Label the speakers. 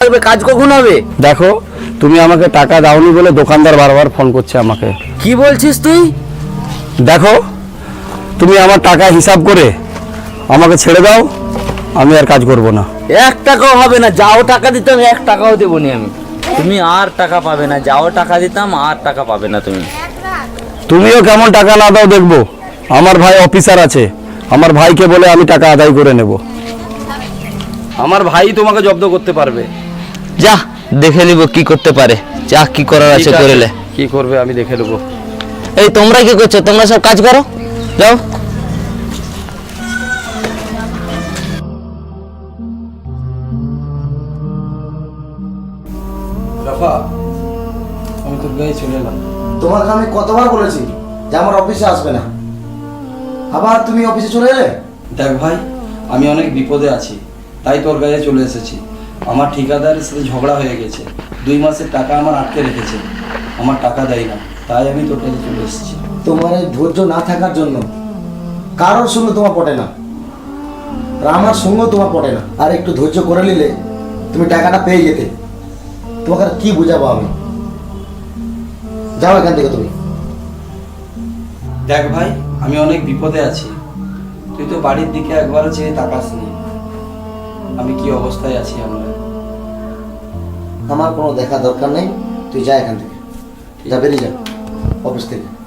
Speaker 1: থাকবে, কাজ কখন হবে?
Speaker 2: দেখো, তুমি আমাকে টাকা দাওনি বলে দোকানদার বারবার ফোন করছে আমাকে।
Speaker 1: কি বলছিস তুই?
Speaker 2: দেখো, তুমি আমার টাকা হিসাব করে আমাকে ছেড়ে দাও, আমি আর কাজ করব না।
Speaker 1: 1 টাকাও হবে না, যাও টাকা দিতাম 1 টাকাও দেবো নি আমি। তুমি আর টাকা পাবে না, যাও টাকা দিতাম আর টাকা পাবে না তুমি।
Speaker 2: তুমিও কেমন টাকা না দাও দেখবো। আমার ভাই অফিসার আছে, আমার ভাইকে বলে আমি টাকা আদায় করে নেব। আমার ভাই তোমাকে জব্দ করতে পারবে।
Speaker 1: যা দেখে নিব কি করতে পারে, যা কি করার আছে করেলে।
Speaker 2: কি করবে আমি দেখে নেবো।
Speaker 1: এই তোমরা কি করছো? তোমরা সব কাজ করো, যাও।
Speaker 2: রাফা, আমি তোর গায়ে চলে এলাম।
Speaker 3: তোমাকে আমি কতবার বলেছি যে আমার অফিসে আসবে না, আবার তুমি অফিসে চলে এলে।
Speaker 2: দেখ ভাই, আমি অনেক বিপদে আছি, তাই তোর গায়ে চলে এসেছি। আমার ঠিকাদারের সাথে ঝগড়া হয়ে গেছে, 2 মাসের টাকা আমার আটকে রেখেছে, আমার টাকা দেয় না, তাই আমি তোর কাছে চলে এসেছি।
Speaker 3: তোমার এই ধৈর্য না থাকার জন্য কারোর সঙ্গে তোমার পটে না, আর আমার সঙ্গেও তোমার পটে না। আর একটু ধৈর্য করে নিলে তুমি টাকাটা পেয়ে যেতে। তোমাকে আর কি বুঝাবো আমি। যাও এখান থেকে তুমি।
Speaker 2: দেখ ভাই, আমি অনেক বিপদে আছি, তুই তো বাড়ির দিকে একবারও চেয়ে তাকাসনি, আমি কি অবস্থায় আছি।
Speaker 3: আমার কোনো দেখা দরকার নেই, তুই যা এখান থেকে, যা, বেরিয়ে যা অফিস থেকে।